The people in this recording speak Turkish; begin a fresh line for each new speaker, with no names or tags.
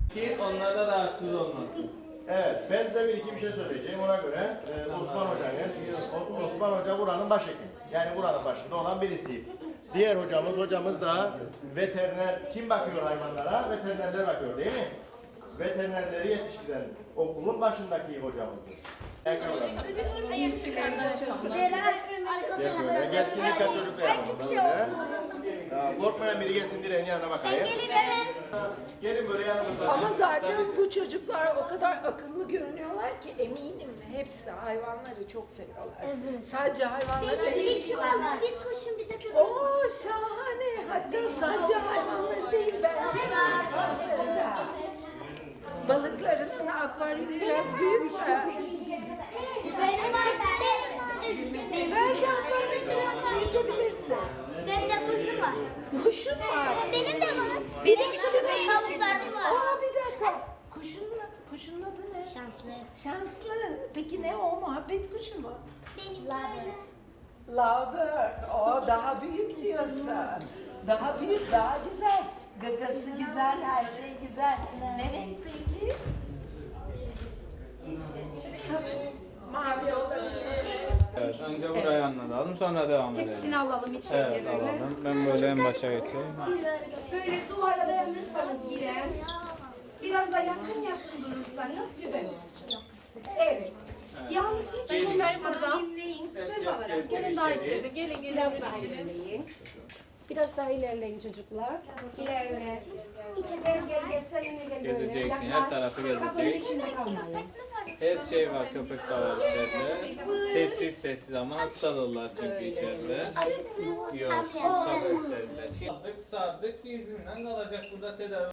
Ki onlar da rahatsız olmasın.
Evet, ben size bir iki bir şey söyleyeceğim. Ona göre Osman Hoca buranın başhekimi. Yani buranın başında olan birisi. Diğer hocamız da veteriner. Kim bakıyor hayvanlara? Veterinerler bakıyor değil mi? Veterinerleri yetiştiren okulun başındaki hocamızdır. Gelsin birkaç çocuk da yapalım. Korkmayan biri gelsin direğin yanına bakayım. Gelin böyle yanımıza.
Ama zaten bu çocuklar o kadar akıllı görünüyorlar ki eminim hepsi hayvanları çok seviyorlar.
Evet.
Sadece hayvanları değil.
Bir kuşun bir de köpek.
Oo şahane. Hatta sadece hayvanları değil bence insanları da. Balıkların akvaryumu biraz büyük mü?
Benim var.
Belki akvaryumu biraz büyütebilirsin.
Benim de kuşum var.
Kuşun var.
Benim de var.
Benim
de
için
tavuklarım var.
Aa bir dakika. Kuşun adı ne?
Şanslı.
Şanslı. Peki ne o? Muhabbet kuşu mu?
Benim Labert.
Lovebird. O daha büyük diyorsun. Daha büyük, daha güzel. Gagası güzel, her şey güzel. Ne renk peki? Mavi olabilir.
Evet, önce burayı anlatalım, sonra devam edelim.
Hepsini alalım içeriye
Evet,
böyle.
alalım. Ben böyle en başa geçeyim.
Böyle duvara dayanırsanız giren, biraz da yakın durursanız güzel olur. Evet. Yalnız hiç konuşmadan dinleyin. Söz alarak gelin daha içeri. Gelin biraz daha ilerleyin. Biraz daha ilerleyin çocuklar. İlerle. Gel seninle gel böyle.
Gezeceksin, her
Yaklaş.
tarafı
Kapının
gezeceksin.
içinde kalmayın.
Her şey var, köpek de var içeride. Sessiz ama hastalılar çünkü içeride. Yok, kafeslerler. Sardık, izinden kalacak burada tedavi.